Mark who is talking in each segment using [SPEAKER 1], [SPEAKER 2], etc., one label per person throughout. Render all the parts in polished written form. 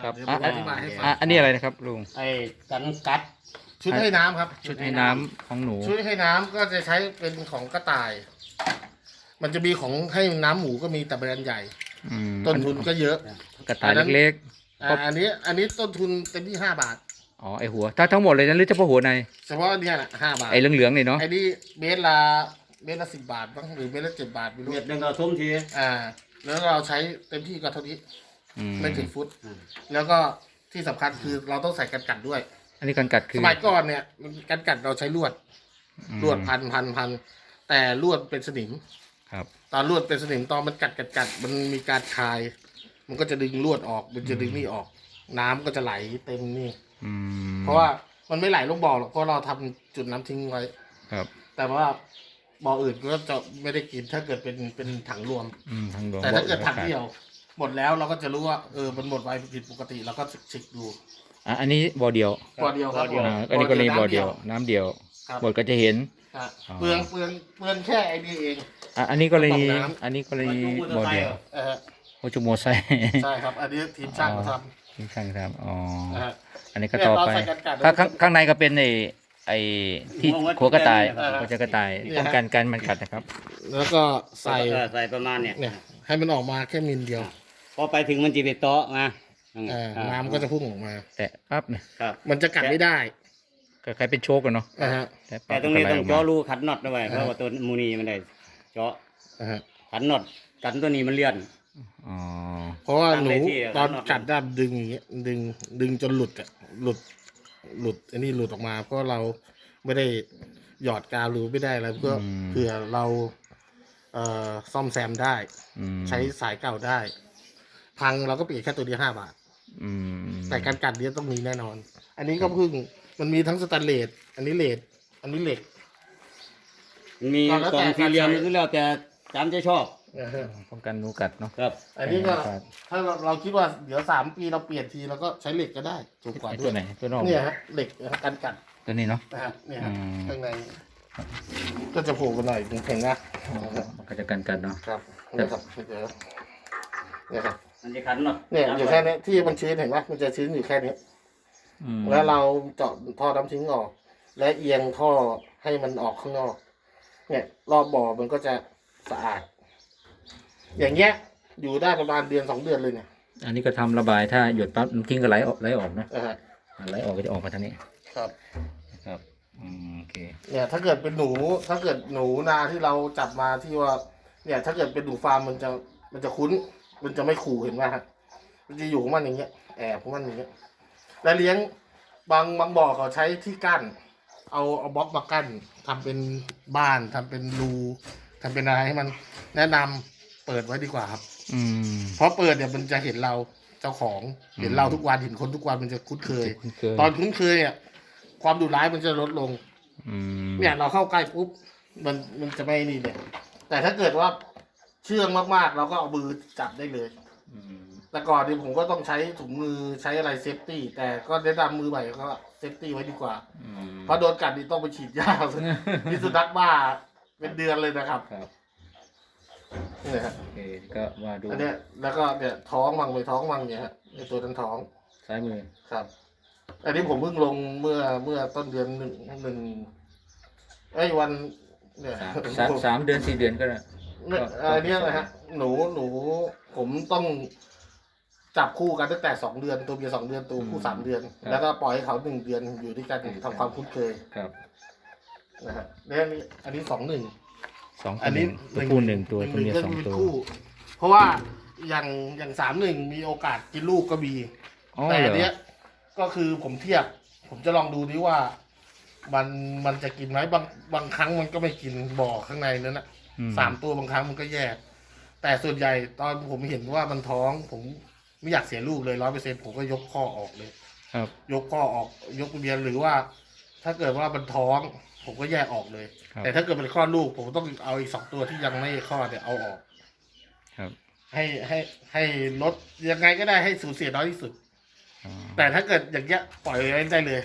[SPEAKER 1] ครับ
[SPEAKER 2] เดี๋ยวผมอธิบายให้ฟัง
[SPEAKER 1] อันนี้อะไรนะครับลุง
[SPEAKER 3] ไอ้กันกัด
[SPEAKER 2] ชุดให้น้ำครับ
[SPEAKER 1] ชุดให้น้ำของหนู
[SPEAKER 2] ชุดให้น้ำก็จะใช้เป็นของกระต่าย มันจะมีของให้น้ำหมูก็มีแต่แบรนด์ใหญ่
[SPEAKER 1] อืม
[SPEAKER 2] ต้นทุนก็เยอะ
[SPEAKER 1] กระต่ายเล็ก
[SPEAKER 2] อันนี้ต้นทุนเต็มที่5 บาท
[SPEAKER 1] ๆอ๋อไอหัวถ้าทั้งหมดเลยนั้นหรือเฉพาะหัวใน
[SPEAKER 2] เฉพาะเนี่ยนะ5 บาท
[SPEAKER 1] ไอเหลืองๆนี่เนาะ
[SPEAKER 2] ไอ้นี่เมตรละ10 บาทบ้างหรือเมตรละ7 บาทไม่รู้
[SPEAKER 3] เม็ดหนึงก็ทุ่มที
[SPEAKER 2] แล้วเราใช้เต็มที่ก็เท่านี้
[SPEAKER 1] อืม
[SPEAKER 2] ไม่ถึงฟุต แล้วก็ที่สำคัญคือเราต้องใส่กันกัดด้วย
[SPEAKER 1] อันนี้การกัดคื
[SPEAKER 2] ส
[SPEAKER 1] อ
[SPEAKER 2] มัยก่อนเนี่ยกันกัดเราใช้ลวด ลวดพันแต่ลวดเป็นสนิม
[SPEAKER 1] ครับ
[SPEAKER 2] ตอนลวดเป็นสนิมตอนมันกัดมันมีการคาย มันก็จะดึงลวดออกมันจะดึงนี่ออก น้ำก็จะไหลเต็มนี่
[SPEAKER 1] อืม
[SPEAKER 2] เพราะว่ามันไม่ไหลลงบ่อหรอกเพราะเราทำจุดน้ำทิ้งไว้
[SPEAKER 1] ครับ
[SPEAKER 2] แต่ว่าบ่ออื่นก็จะไม่ได้กินถ้าเกิดเป็นถังรวม
[SPEAKER 1] ทางหลวง
[SPEAKER 2] แต่ถ้าเกิดถังเดียว หมดแล้วเราก็จะรู้ว่ามันหมดไวผิดปกติเราก็เช็คดู
[SPEAKER 1] อันนี้บ่อเดียว
[SPEAKER 2] บ่อเดียวครับ
[SPEAKER 1] อันนี้ก็เลยบ่อเดียว น้ำเดียว
[SPEAKER 2] ครับ
[SPEAKER 1] หมดก็จะเห็น
[SPEAKER 2] ครับ
[SPEAKER 1] อ๋อ
[SPEAKER 2] เปลืองแค่ไอ้นี่เอง
[SPEAKER 1] อันนี้ก็เลย
[SPEAKER 2] กระป๋องน้ำ
[SPEAKER 1] อันนี้ก็เลยบ่อเดียว
[SPEAKER 2] เออ
[SPEAKER 1] โอจูโมไซ
[SPEAKER 2] ใช่ครับ อันนี้ทีมช่างเขาท
[SPEAKER 1] ที่ช่างทำอ๋อ
[SPEAKER 2] ำนะฮะ
[SPEAKER 1] อันนี้ก็ต่อไป
[SPEAKER 2] เนี่ยเราใส่กันกัด
[SPEAKER 1] ข้างในก็เป็นไอ้ที่หัวกระต่าย
[SPEAKER 2] เออ
[SPEAKER 1] หัวจะกระต่าย
[SPEAKER 2] เนี่ย
[SPEAKER 1] ป้องกันการมันกัดนะครับ
[SPEAKER 2] แล้วก็ใส่
[SPEAKER 3] ใส่ประมาณเนี่ย
[SPEAKER 2] เนี่ยให้มันออกมาแค่มิลเดียว
[SPEAKER 3] พอไปถึงมันจีบโต๊ะมา
[SPEAKER 2] น้ำก็จะพุ่งออกมา
[SPEAKER 1] แต่ปั๊บเนี่ย
[SPEAKER 3] ครับ
[SPEAKER 2] มันจะกัดไม่ได้
[SPEAKER 1] ก็คล้ายเป็นโชกกันเนาะ
[SPEAKER 2] นะฮะ
[SPEAKER 1] แต่
[SPEAKER 3] แต่
[SPEAKER 1] ปั๊บ
[SPEAKER 3] ตรงนี้
[SPEAKER 1] ก็ไหล
[SPEAKER 3] ต้อง
[SPEAKER 1] ก
[SPEAKER 3] เจาะ
[SPEAKER 1] มา
[SPEAKER 3] รูขันน็อตด้วยเพราะว่าตัวมูนีมันได้เจาะ
[SPEAKER 2] นะฮะ
[SPEAKER 3] ขันน็อตกันตัวนี้มันเลื่อน
[SPEAKER 1] อ๋อ
[SPEAKER 2] เพราะว่าหนู
[SPEAKER 3] ตั้งเลยที่
[SPEAKER 2] ตอน
[SPEAKER 3] ข้างนอก
[SPEAKER 2] กัดด้ามดึงอย่างเงี้ยดึงจนหลุดอะหลุดอันนี้หลุดออกมา เพราะเราไม่ได้หยอดกาวหรือไม่ได้อะไรเพื่อเผื่อเราซ่อมแซมได้
[SPEAKER 1] อืม
[SPEAKER 2] ใช้สายเก่าได้ พังเราก็เปลี่ยนแค่ตัวเดียว5 บาท
[SPEAKER 1] อืม
[SPEAKER 2] แต่การกัดเนี้ยต้องมีแน่นอน อันนี้ก็เพิ่งมันมีทั้งสแตนเลสอันนี้เลสอันนี้เหล็ก
[SPEAKER 3] มี
[SPEAKER 2] ก็แล้ว
[SPEAKER 3] กล่
[SPEAKER 2] แต่
[SPEAKER 3] องสี่เหลี่ยม
[SPEAKER 2] การใช้
[SPEAKER 3] นี่แล้วแต่จำจะชอบ
[SPEAKER 2] นะฮะ
[SPEAKER 1] ป้องกันหนูกัดเนาะ
[SPEAKER 3] ครับ
[SPEAKER 2] อันนี้ก็ถ้าเราคิดว่าเดี๋ยว3 ปีเราเปลี่ยนทีเราก็ใช้เหล็กก็ได้ถูกกว่า
[SPEAKER 1] ไอ้
[SPEAKER 2] ด้
[SPEAKER 1] ตัว วย ไหนตัวนอก
[SPEAKER 2] เนี่ยฮะเหล็กนะฮะการกัด
[SPEAKER 1] ตัวนี้เนาะ
[SPEAKER 2] นะฮะเนี่ยฮะ
[SPEAKER 1] อืม
[SPEAKER 2] ข้างในก็จะโผล่กันหน่อยเห็นนะ
[SPEAKER 1] มันก็จะกันกัดเนาะ
[SPEAKER 2] ครับเนี่ยครับเดี๋ยวเนี่ยครับ
[SPEAKER 3] มันจะขันน็อต
[SPEAKER 2] เนี่ยอยู่แค่นี้ที่มันชื้นเห็นไหมมันจะชื้นอยู่แค่นี้
[SPEAKER 1] อืม
[SPEAKER 2] แล้วเราเจาะท่อน้ำทิ้งออก และเอียงท่อให้มันออกข้างนอก เนี่ยรอบบ่อมันก็จะสะอาด อย่างเงี้ยอยู่ได้ประมาณ1-2 เดือนเลยเนี่ย
[SPEAKER 1] อันนี้ก็ทำระบายถ้าหยดปั๊บน้ำทิ้งก็ไหลออกเนาะ
[SPEAKER 2] นะฮะ
[SPEAKER 1] ไหลออกก็จะออกมาทางนี้
[SPEAKER 2] ครับ
[SPEAKER 1] ครับโอเค
[SPEAKER 2] เนี่ยถ้าเกิดเป็นหนูถ้าเกิดหนูนาที่เราจับมาที่ว่า เนี่ย ถ้าเกิดเป็นหนูฟาร์มมันจะคุ้น มันจะไม่ขู่เห็นไหมฮะมันจะอยู่ของมันอย่างเงี้ยแอบของมันอย่างเงี้ยแล้วเลี้ยงบางบ่อเขาใช้ที่กั้น เอาบล็อกมากั้นทำเป็นบ้านทำเป็นรูทำเป็นอะไรให้มันแนะนำเปิดไว้ดีกว่าครับ
[SPEAKER 1] อืม
[SPEAKER 2] เพราะเปิดเนี่ยมันจะเห็นเราเจ้าของเห็นเราทุกวันเห็นคนทุกวันมันจะคุ้นเคย
[SPEAKER 1] คุ้นเคย
[SPEAKER 2] ตอนคุ้นเคยเนี่ยความดุร้ายมันจะลดลง
[SPEAKER 1] อืม
[SPEAKER 2] เนี่ยเราเข้าใกล้ปุ๊บมันจะไม่นี่เนี่ยแต่ถ้าเกิดว่าเชื่องมากๆ เราก็เอามือจับได้เลย
[SPEAKER 1] อืม
[SPEAKER 2] แต่ก่อนเนี่ยผมก็ต้องใช้ถุงมือใช้อะไรเซฟตี้แต่ก็แนะนำมือใหม่ก็เซฟตี้ไว้ดีกว่า
[SPEAKER 1] อืม
[SPEAKER 2] เพราะโดนกัดนี่ต้องไปฉีดยา พิษสุนัขบ้าเป็นเดือนเลยนะครับ
[SPEAKER 1] ครับ
[SPEAKER 2] เนี่ยฮะ
[SPEAKER 1] โอเคก็ว่าดู
[SPEAKER 2] อันเนี้ยแล้วก็เนี่ยท้องมังไปท้องมังเนี่ยฮะในตัวนั้นท้อง
[SPEAKER 1] ซ้ายมือ
[SPEAKER 2] ครับ อันนี้ผมเพิ่งลงเมื่อต้นเดือนหนึ่งวันเนี่ย
[SPEAKER 1] สามเดือน4 เดือนก็ได้
[SPEAKER 2] อันเนี้ยนะฮะหนูผมต้องจับคู่กันตั้งแต่2 เดือนตัวเมีย2 เดือนตัวผู้3 เดือน แล้วก็ปล่อยให้เขา1 เดือนอยู่ด้วยกันทำความคุ้นเคย
[SPEAKER 1] ครับ
[SPEAKER 2] นะฮะแล้วอันนี้2-1
[SPEAKER 1] สอง
[SPEAKER 2] อันนี้
[SPEAKER 1] ตัวผู้1 ตัวตัวเมีย
[SPEAKER 2] ก็
[SPEAKER 1] 2 ตัว
[SPEAKER 2] คู่เพราะว่าอย่าง3-1มีโอกาสกินลูกก็มี
[SPEAKER 1] อ๋อ
[SPEAKER 2] แต่
[SPEAKER 1] เหร
[SPEAKER 2] อัน
[SPEAKER 1] อ
[SPEAKER 2] เนี้ยก็คือผมเทียบ ผมจะลองดูดิว่า มันจะกินไหมบางครั้งมันก็ไม่กินบ่อข้างในนั้นนะ
[SPEAKER 1] อืม
[SPEAKER 2] 3 ตัวบางครั้งมันก็แยก แต่ส่วนใหญ่ตอนผมเห็นว่ามันท้อง ผมไม่อยากเสียลูกเลย100%ผมก็ยกข้อออกเลย
[SPEAKER 1] ครับ
[SPEAKER 2] ยกข้อออกยกเบียนหรือว่า ถ้าเกิดว่ามันท้อง ผมก็แยกออกเลย
[SPEAKER 1] ครับ
[SPEAKER 2] แต่ถ้าเกิดเป็นคลอดลูก ผมต้องเอาอีก2 ตัวที่ยังไม่คลอดเนี่ยเอาออก
[SPEAKER 1] ครับ
[SPEAKER 2] ให้ลดยังไงก็ได้ให้สูญเสียน้อยที่สุด
[SPEAKER 1] อ๋อ
[SPEAKER 2] แต่ถ้าเกิดอย่างเงี้ยปล่อยไว้ได้เลย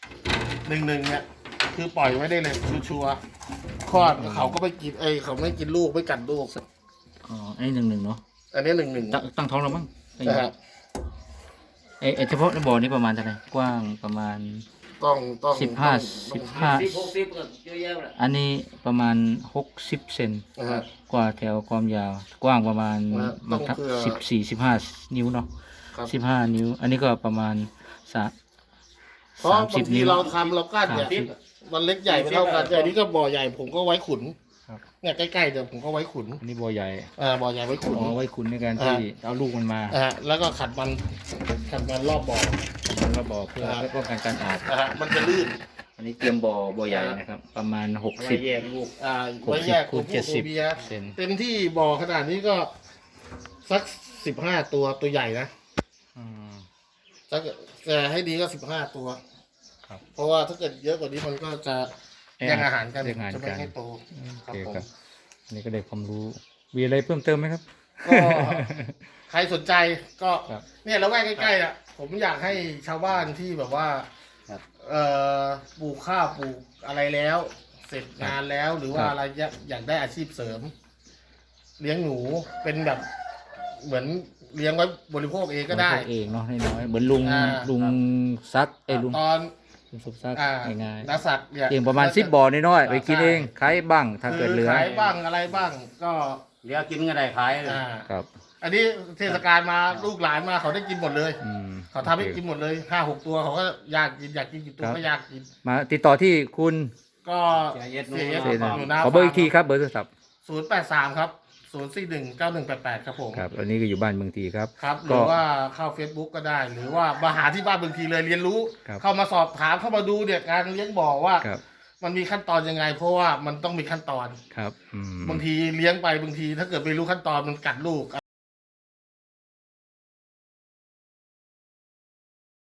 [SPEAKER 2] 1-1เนี่ยคือปล่อยไว้ได้เลยชัวร์ๆคลอดเขาก็ไม่กินเขาไม่กินลูกไม่กัดลูก
[SPEAKER 1] อ๋อไอ้1-1เนาะ
[SPEAKER 2] อันนี้1-1
[SPEAKER 1] ตั้งท้องแล้วมั้ง
[SPEAKER 2] นะฮะ
[SPEAKER 1] ไอ้เฉพาะในบ่อนี้ประมาณเท่าไหร่กว้างประมาณ
[SPEAKER 2] ต้อง
[SPEAKER 3] 60ก็เยอะแยะเลย
[SPEAKER 1] อันนี้ประมาณ60 เซน
[SPEAKER 2] นะฮะ
[SPEAKER 1] กว่าแถวความยาว กว้างประมาณ
[SPEAKER 2] ต้องเผื่อ
[SPEAKER 1] 14-15 นิ้วเนาะ
[SPEAKER 2] ครับ
[SPEAKER 1] 15 นิ้ว อันนี้ก็ประมาณ
[SPEAKER 2] เพราะบาง
[SPEAKER 1] 30
[SPEAKER 2] ที
[SPEAKER 1] นิ้ว
[SPEAKER 2] เราทำเรากั้นเนี่ย
[SPEAKER 1] 30
[SPEAKER 2] มันเล็กใหญ่ไม่เท่ากันแต่อันนี้ก็บ่อใหญ่ผมก็ไว้ขุน
[SPEAKER 1] ครับ
[SPEAKER 2] เนี่ยใกล้ๆเดี๋ยวผมก็ไว้ขุน
[SPEAKER 1] อันนี้บ่อใหญ่
[SPEAKER 2] บ่อใหญ่ไว้ขุน
[SPEAKER 1] เอาไว้คุณในการที่เอาลูกมันมา
[SPEAKER 2] แล้วก็ขัดมันรอบบ่อ
[SPEAKER 1] มันมาบ่อเพื่อป้องกันการอาบ
[SPEAKER 2] มันจะลื่น
[SPEAKER 1] อันนี้เตรียมบ่อใหญ่นะครับ ประมาณ
[SPEAKER 3] ไว้แยกลูก
[SPEAKER 2] ไว้แยก
[SPEAKER 1] คูณ
[SPEAKER 2] ตัวผู้ตัวเมีย
[SPEAKER 1] 70 เซน
[SPEAKER 2] เต็มที่บ่อขนาดนี้ก็สัก15 ตัวใหญ่นะ
[SPEAKER 1] อืม
[SPEAKER 2] ถ้าเกิดแต่ให้ดีก็15 ตัว
[SPEAKER 1] ครับ
[SPEAKER 2] เพราะว่าถ้าเกิดเยอะกว่านี้มันก็จะแย่งอาหารกัน
[SPEAKER 1] แย่งอาหาร
[SPEAKER 2] จะไม่
[SPEAKER 1] กัน
[SPEAKER 2] ให้โต
[SPEAKER 1] โอ
[SPEAKER 2] ครับ
[SPEAKER 1] เค
[SPEAKER 2] ผม
[SPEAKER 1] ครับ อันนี้ก็ได้ความรู้ มีอะไรเพิ่มเติมไหมครับ
[SPEAKER 2] ก็ใครสนใจก็
[SPEAKER 1] ครับ
[SPEAKER 2] เนี่ยแล้วแวกใกล้ๆอ่ะผมอยากให้ชาวบ้านที่แบบว่า
[SPEAKER 3] ครับ
[SPEAKER 2] ปลูกข้าวปลูกอะไรแล้ว เสร็จงานแล้วหรือว่า
[SPEAKER 1] ครับ
[SPEAKER 2] อะไรอยากได้อาชีพเสริม เลี้ยงหนูเป็นแบบเหมือนเลี้ยงไว้บริโภคเองก็ได้
[SPEAKER 1] บริโภคเองเนาะน้อยๆเหมือนลุง
[SPEAKER 2] อ่า
[SPEAKER 1] ลุงซักลุง
[SPEAKER 2] ตอน
[SPEAKER 1] ลุงสุบซัก ง่าย
[SPEAKER 2] นักสัตว์เนี่ย
[SPEAKER 1] ๆเองประมาณ10 บ่อน้อยๆไปกินเองขายบ้างถ้าเกิดเหลือ
[SPEAKER 2] ขายบ้างอะไรบ้างก็
[SPEAKER 3] เหลือกินก็ได้ขายเลย
[SPEAKER 1] ครับ
[SPEAKER 2] อันนี้เทศกาลมาลูกหลานมาเขาได้กินหมดเลย
[SPEAKER 1] อืม
[SPEAKER 2] เขาทำให้กินหมดเลย5-6 ตัวเขาก็อยากกินกี่ตัวก็อยากกิน
[SPEAKER 1] มาติดต่อที่คุณ
[SPEAKER 2] ก็
[SPEAKER 3] เสียเอ็ด
[SPEAKER 2] เสีย
[SPEAKER 1] เสนา
[SPEAKER 2] หนูนา
[SPEAKER 1] ขอเบอร์อีกทีครับเบอร์โทรศัพท์
[SPEAKER 2] 083 ครับ 0419188 ครับผม
[SPEAKER 1] ครับอันนี้ก็อยู่บ้านเมืองทีครับ
[SPEAKER 2] ครับห
[SPEAKER 1] ก็
[SPEAKER 2] รือว่าเข้า Facebook ก็ได้ หรือว่ามาหาที่บ้านบางทีเลยเรียนรู้
[SPEAKER 1] ครับ
[SPEAKER 2] เข้ามาสอบถามเข้ามาดูเนี่ยการเลี้ยงบ่อว่า
[SPEAKER 1] ครับ
[SPEAKER 2] มันมีขั้นตอนยังไง เพราะว่ามันต้องมีขั้นตอน
[SPEAKER 1] ครับอืม
[SPEAKER 2] บางทีเลี้ยงไปบางทีถ้าเกิดไม่รู้ขั้นตอนมันกัดลูก